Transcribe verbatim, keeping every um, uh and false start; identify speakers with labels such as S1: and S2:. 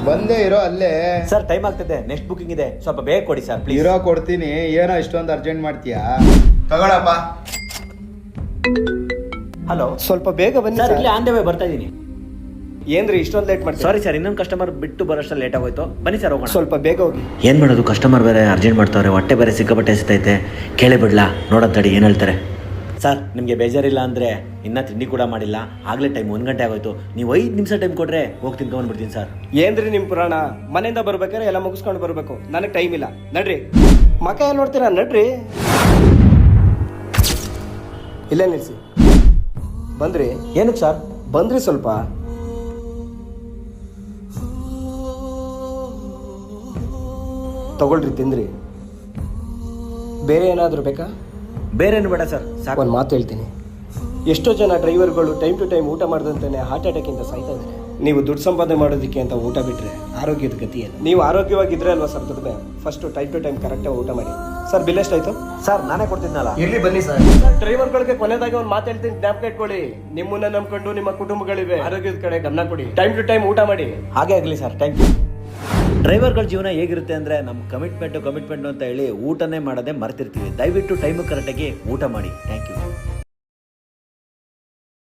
S1: ಬಂದೇ ಇರೋ ಅಲ್ಲೇ.
S2: ಸರ್ ಟೈಮ್ ಆಗ್ತದೆ, ನೆಕ್ಸ್ಟ್ ಬುಕಿಂಗ್ ಇದೆ, ಸ್ವಲ್ಪ ಬೇಗ ಕೊಡಿ ಸರ್ ಪ್ಲೀಸ್.
S1: ಇರೋ ಕೊಡ್ತೀನಿ, ಏನೋ ಇಷ್ಟೊಂದು ಅರ್ಜೆಂಟ್ ಮಾಡ್ತೀಯಾ? ತಗೊಳಪ್ಪ.
S2: ಹಲೋ,
S3: ಸ್ವಲ್ಪ ಬೇಗ ಬನ್ನಿ
S2: ಸರ್.
S3: ಸರ್.
S2: ಇಲ್ಲಿ ಆನ್ ದ ವೇ ಬರ್ತಾ ಇದೀನಿ.
S3: ಏನ್ರಿ ಇಷ್ಟೊಂದು ಲೇಟ್ ಮಾಡ್ತೀರಾ?
S2: ಸಾರಿ ಸರ್, ಇನ್ನೊಂದು ಕಸ್ಟಮರ್ ಬಿಟ್ಟು ಬರೋಷ್ಟಲ್ಲಿ ಲೇಟ್ ಆಗೋಯ್ತು. ಬನ್ನಿ ಸರ್ ಹೋಗೋಣ.
S3: ಸ್ವಲ್ಪ ಬೇಗ ಹೋಗಿ.
S2: ಏನು ಮಾಡೋದು, ಕಸ್ಟಮರ್ ಬೇರೆ ಅರ್ಜೆಂಟ್ ಮಾಡ್ತಾವ್ರೆ, ಹೊಟ್ಟೆ ಬೇರೆ ಸಿಕ್ಕಾಪಟ್ಟೆ ಎಸ್ತೈತೆ. ಕೇಳಿ ಬಿಡ್ಲಾ, ನೋಡೋದ್ ಏನು ಹೇಳ್ತಾರೆ. ಸರ್ ನಿಮಗೆ ಬೇಜಾರಿಲ್ಲ ಅಂದರೆ ಇನ್ನೂ ತಿಂಡಿ ಕೂಡ ಮಾಡಿಲ್ಲ, ಆಗಲೇ ಟೈಮ್ ಒಂದು ಗಂಟೆ ಆಗೋಯ್ತು. ನೀವು ಐದು ನಿಮಿಷ ಟೈಮ್ ಕೊಟ್ಟರೆ ಹೋಗಿ ತಿನ್ಕೊಂಡ್ಬಿಡ್ತೀನಿ ಸರ್.
S3: ಏನ್ರಿ ನಿಮ್ಮ ಪುರಾಣ? ಮನೆಯಿಂದ ಬರ್ಬೇಕಾದ್ರೆ ಎಲ್ಲ ಮುಗಿಸ್ಕೊಂಡು ಬರಬೇಕು, ನನಗೆ ಟೈಮ್ ಇಲ್ಲ. ನಡ್ರಿ, ಮಕ ಏನು ನೋಡ್ತೀರಾ? ನಡ್ರಿ. ಇಲ್ಲೇ ನಿಲ್ಸಿ. ಬಂದ್ರಿ?
S2: ಏನಕ್ಕೆ ಸರ್?
S3: ಬಂದ್ರಿ ಸ್ವಲ್ಪ. ತಗೊಳ್ರಿ, ತಿಂದ್ರಿ. ಬೇರೆ ಏನಾದರೂ ಬೇಕಾ?
S2: ಬೇರೆ ಏನು ಬೇಡ ಸರ್, ಸಾಕು.
S3: ಒಂದು ಮಾತು ಹೇಳ್ತೀನಿ, ಎಷ್ಟೋ ಜನ ಡ್ರೈವರ್ಗಳು ಟೈಮ್ ಟು ಟೈಮ್ ಊಟ ಮಾಡ್ದಂತಾನೆ ಹಾರ್ಟ್ ಅಟ್ಯಾಕಿಂದ ಸಾಯ್ತಾ ಇದ್ದಾರೆ. ನೀವು ದುಡ್ಡು ಸಂಪಾದನೆ ಮಾಡೋದಕ್ಕೆ ಅಂತ ಊಟ ಬಿಟ್ಟರೆ ಆರೋಗ್ಯದ ಗತಿ ಏನು? ನೀವು ಆರೋಗ್ಯವಾಗಿದ್ರೆ ಅಲ್ವಾ ಸರ್ ದುಡಿಮೆ. ಫಸ್ಟು ಟೈಮ್ ಟು ಟೈಮ್ ಕರೆಕ್ಟಾಗಿ ಊಟ ಮಾಡಿ. ಸರ್ ಬಿಲ್ ಎಷ್ಟಾಯ್ತು?
S2: ಸರ್ ನಾನೇ ಕೊಡ್ತಿದ್ನಲ್ಲ.
S3: ಇರ್ಲಿ ಬನ್ನಿ ಸರ್. ಸರ್ ಡ್ರೈವರ್ಗಳಿಗೆ ಕೊನೆದಾಗಿ ಒಂದು ಮಾತು ಹೇಳ್ತೀನಿ, ಜ್ಞಾಪಕ ಇಟ್ಕೊಳ್ಳಿ. ನಿಮ್ಮನ್ನ ನಂಬ್ಕೊಂಡು ನಿಮ್ಮ ಕುಟುಂಬಗಳಿವೆ, ಆರೋಗ್ಯದ ಕಡೆ ಗಮನ ಕೊಡಿ, ಟೈಮ್ ಟು ಟೈಮ್ ಊಟ ಮಾಡಿ.
S2: ಹಾಗೆ ಆಗಲಿ ಸರ್, ಥ್ಯಾಂಕ್ ಯು. ಡ್ರೈವರ್ಗಳ ಜೀವನ ಹೇಗಿರುತ್ತೆ ಅಂದರೆ, ನಮ್ಮ ಕಮಿಟ್ಮೆಂಟು ಕಮಿಟ್ಮೆಂಟು ಅಂತ ಹೇಳಿ ಊಟನೇ ಮಾಡೋದೇ ಮರ್ತಿರ್ತೀವಿ. ದಯವಿಟ್ಟು ಟೈಮು ಕರೆಕ್ಟಾಗಿ ಊಟ ಮಾಡಿ. Thank you.